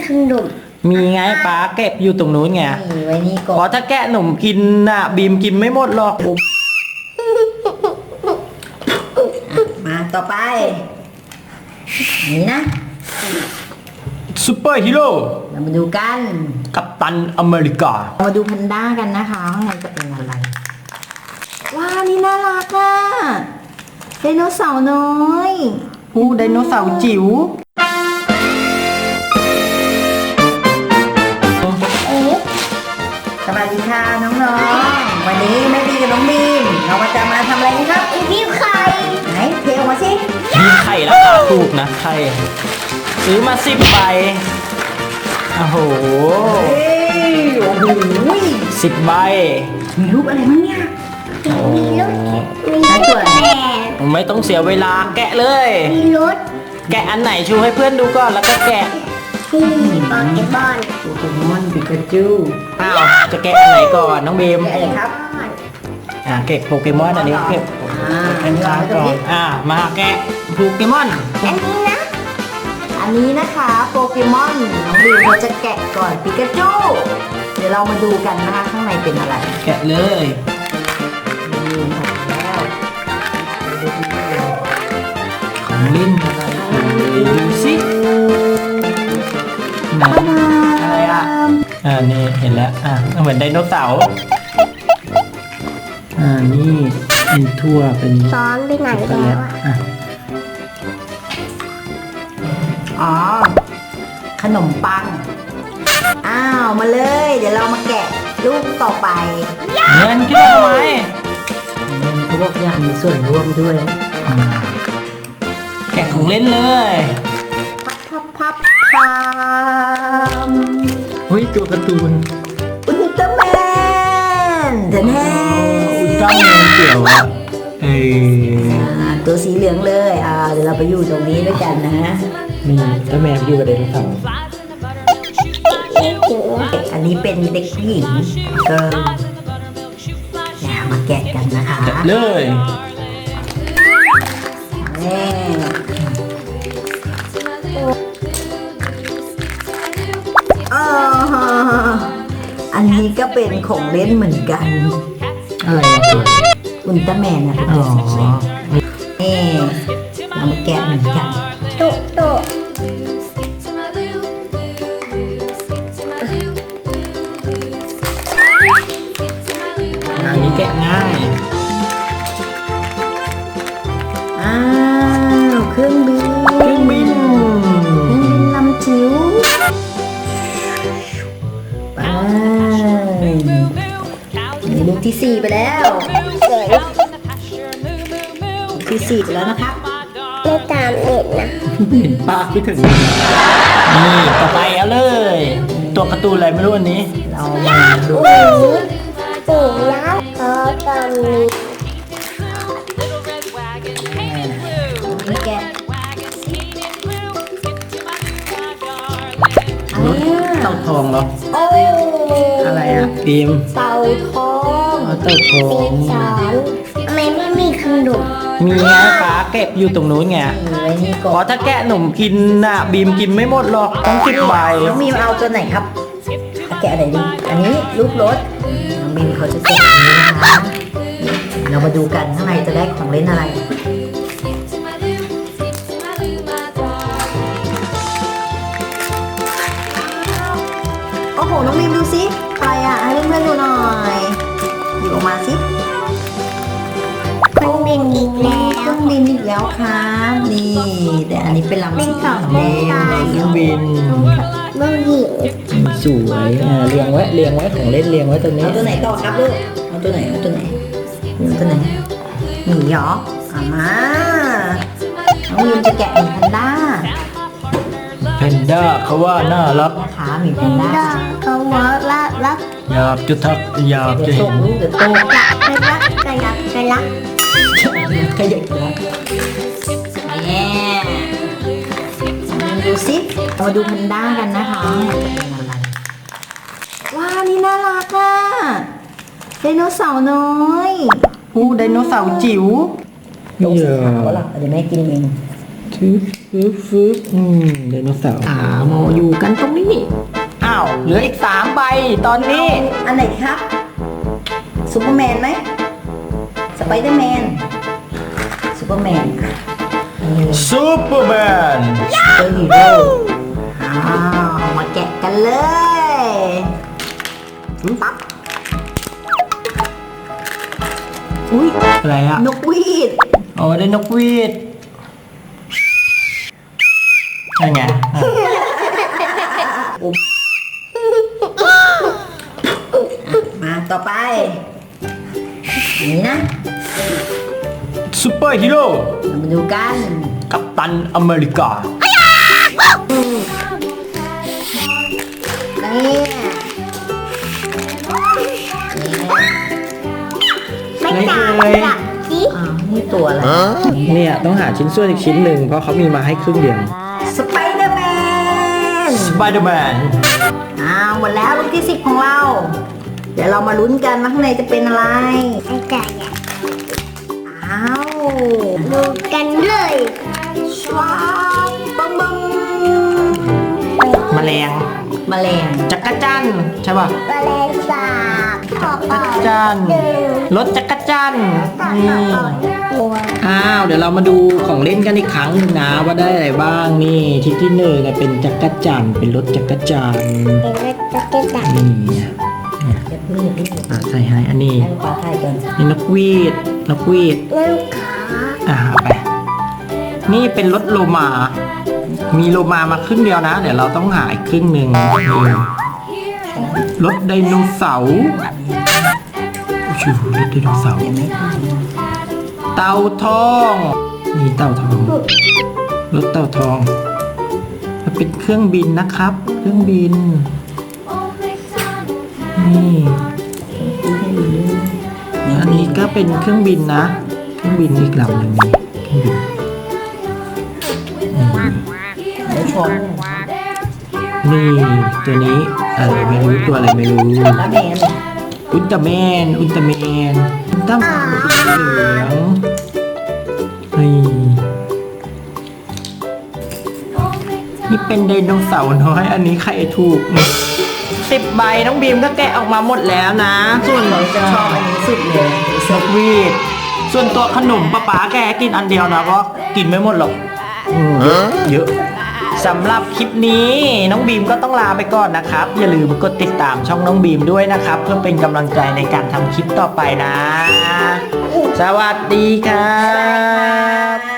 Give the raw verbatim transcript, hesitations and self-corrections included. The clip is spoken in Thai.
ขนมมีไงป้าเก็บอยู่ตรงนู้นไงมีไว้นี่ก่อเพราะนถ้าแกะหนมกินน่ะบีมกินไม่หมดหรอกมาต่อไปนี่นะซูเปอร์ฮีโร่เรามาดูกันกัปตันอเมริกาเรามาดูแพนด้ากันนะคะข้างในจะเป็นอะไรว้านี่น่ารักอ่ะไดโนเสาร์น้อยอู้ไดโนเสาร์จิ๋วสวัสดีค่ะน้องๆวันนี้แม่บีกับน้องบีมเรามาจะมาทำอะไรกันครับบีมไข่ไหนเทออกมาสิมีไข่ราคาถูกนะไข่ซื้อมาสิบใบโอ้โหโอ้โหสิบใบมีรูปอะไรมั้งเนี่ยมีรถมีรถแม่ไม่ต้องเสียเวลาแกะเลยมีรถแกะอันไหนชูให้เพื่อนดูก่อนแล้วก็แกะที่โปเกมอนโปเกมอนปิกาจูอ้าวจะแกะอันไหนก่อนน้องบีมแกะอะไรครับอ่าเก็บโปเกมอนอันนี้เก็บอ่าอันนี้ค้างก่อนอ่ามาแกะโปเกมอนอันนี้นะอันนี้นะคะโปเกมอนน้องบีมเราจะแกะก่อนปิกาจูเดี๋ยวเรามาดูกันนะคะข้างในเป็นอะไรแกะเลยนี่ค่ะแล้วของเล่นอะไรดูสิไหนอะไรอ่ะอ่านี่เห็นแล้วอ่าเหมือนไดโนเสาร์อ่านี่เป็นทั่วเป็นซ้อนไปไหนแล้วอ่ะอ๋อขนมปังอ้าวมาเลยเดี๋ยวเรามาแกะลูกต่อไปเงินขึ้นมาทำไมเงินเขาบอกอยากมีส่วนร่วมด้วยแกะของเล่นเลยพับพับพับพับเฮ้ยตัวการ์ตูนอุลตร้าแมนเดนแฮอุลตร้าแมนเกี่ยวอะเออตัวสีเหลืองเลยอ่าเดี๋ยวเราไปอยู่ตรงนี้ด้วยกันนะฮะนี่ถ้าแมวอยู่กับไดโนเสาร์อันนี้เป็นเด็กหญิงก็อย่ามาแกะกันนะคะเลยนี่อ๋ออันนี้ก็เป็นของเล่นเหมือนกันอะไรตัวอุลตร้าแมนนะอ๋อนี่เรามาแกะเหมือนกันโตโตอันนี้แกะง่ายอ้าวเครื่องบินเครื่องบินเครื่องบินลำจิ๋วไปนี่ลูกที่สี่ไปแล้วลูกที่สี่ไปแล้วนะครับไม่ตามเน็ตนะเห็นปากไม่ถึงนี่ต่อไปเอาเลยตัวการ์ตูนอะไรไม่รู้อันนี้เรามาดูปู่ยักษ์เขาตอนนี้นี่แกะเต่าทองเหรอโอ้อะไรอ่ะพิมเต่าทองเต่าทองสอนทำไมไม่มีขนมมีไงป้าเก็บอยู่ตรงนู้นไงไว้นี่ก่อนเพราะถ้าแกะหนมกินน่ะบีมกินไม่หมดหรอกต้องสิบใบน้องบีมเอาตัวไหนครับแกะอะไรดีอันนี้ลูกรถน้องบีมเขาจะแกะอันนี้นะคะเรามาดูกันข้างในจะได้ของเล่นอะไรโอ้โหน้องบีมดูสิอะไรอ่ะให้เพื่อนๆดูหน่อยหยิบออกมาสิเครื่องบินอีกแล้วเครื่องบินอีกแล้วครับนี่แต่อันนี้เป็นลำสีขาวแดงเครื่องบินเมื่อหญิงสวยอ่าเรียงไว้เรียงไว้ของเล่นเรียงไว้ตรงนี้เอาตัวไหนต่อครับลูกเอาตัวไหนเอาตัวไหนเอาตัวไหนหมีหรอเอามาน้องวิมจะแกะหมีแพนด้าแพนด้าเขาว่าน่ารักนะคะหมีแพนด้าเขาว่ารักรักอยากจะทักอยากจะเห็นเดี๋ยวโตไปรักไปรักไปรักขยับแล้วเนี่ยดูสิมาดูแพนด้ากันนะคะเป็นอะไรว้านี่น่ารักอ่ะไดโนเสาร์น้อยอู้ไดโนเสาร์จิ๋วลงสีขาวหรอเดี๋ยวแม่กินเองทึบฟึบฟึบอืมไดโนเสาร์อ่าโมอยู่กันตรงนี้อ้าวเหลืออีกสามใบตอนนี้อันไหนดีครับซูเปอร์แมนไหมสไปเดอร์แมนซูเปอร์แมนนี่ซูเปอร์แมนเจอฮีโร่อ้าวมาแกะกันเลยปั๊บอุ้ยอะไรอะนกหวีดอ๋อได้นกหวีดใช่ไงอ่ะมาต่อไปอันนี้นะซูเปอร์ฮีโร่เรามาดูกันกัปตันอเมริกานี่ไม่จ่ายหลักสิอ้าวนี่ตัวอะไรเนี่ยต้องหาชิ้นส่วนอีกชิ้นหนึ่งเพราะเขามีมาให้ครึ่งเดียวสไปเดอร์แมนสไปเดอร์แมนอ้าวหมดแล้วลูกที่สิบของเรา เดี๋ยวเรามาลุ้นกันว่าข้างในจะเป็นอะไรไม่จ่ายอ่ะอ้าวดูกันเลยว้าวบังบังแมลงแมลงจักรจันทร์ใช่ป่ะแมลงสาบขอบจักรจันทร์รถจักรจันทร์นี่ตัวอ้าวเดี๋ยวเรามาดูของเล่นกันอีกครั้งหนึงนะว่าได้อะไรบ้างนี่ชิ้นที่หนึ่งเนี่ยเป็นจักรจันทร์เป็นรถจักรจันทร์เป็นรถจักรยานนี่อย่าเพิ่งอย่าเพิ่งอ่ะใส่ให้อันนี้ให้ลูกปลาถ่ายก่อนนี่นกหวีดนกหวีดนั่งขาอ่าเอาไป นี่เป็นรถโลมา มีโลมามาครึ่งเดียวนะ เดี๋ยวเราต้องหาอีกครึ่งหนึ่งนี่รถไดโนเสาร์ชูรถไดโนเสาร์ยังไม่ถ่ายเต่าทองนี่เต่าทองรถเต่าทองมันเป็นเครื่องบินนะครับ เครื่องบินนี่อันนี้ก็เป็นเครื่องบินนะ เครื่องบินอีกลำหนึ่งนี่เครื่องบินเดี๋ยวชนนี่ตัวนี้อะไรไม่รู้ตัวอะไรไม่รู้แล้วแมนอุลตร้าแมนอุลตร้าแมนอุลตร้าแมนสีเหลืองนี่นี่เป็นไดโนเสาร์น้อยอันนี้ใครถูกสิบใบน้องบีมก็แกะออกมาหมดแล้วนะ ส่วนเราจะชอบอันนี้สุดเลยนกหวีดส่วนตัวขนมป้าป๋าแกกินอันเดียวนะเพราะกินไม่หมดหรอกอืมเยอะเยอะสำหรับคลิปนี้น้องบีมก็ต้องลาไปก่อนนะครับ อย่าลืมกดติดตามช่องน้องบีมด้วยนะครับ เพื่อเป็นกำลังใจในการทำคลิปต่อไปนะ สวัสดีครับ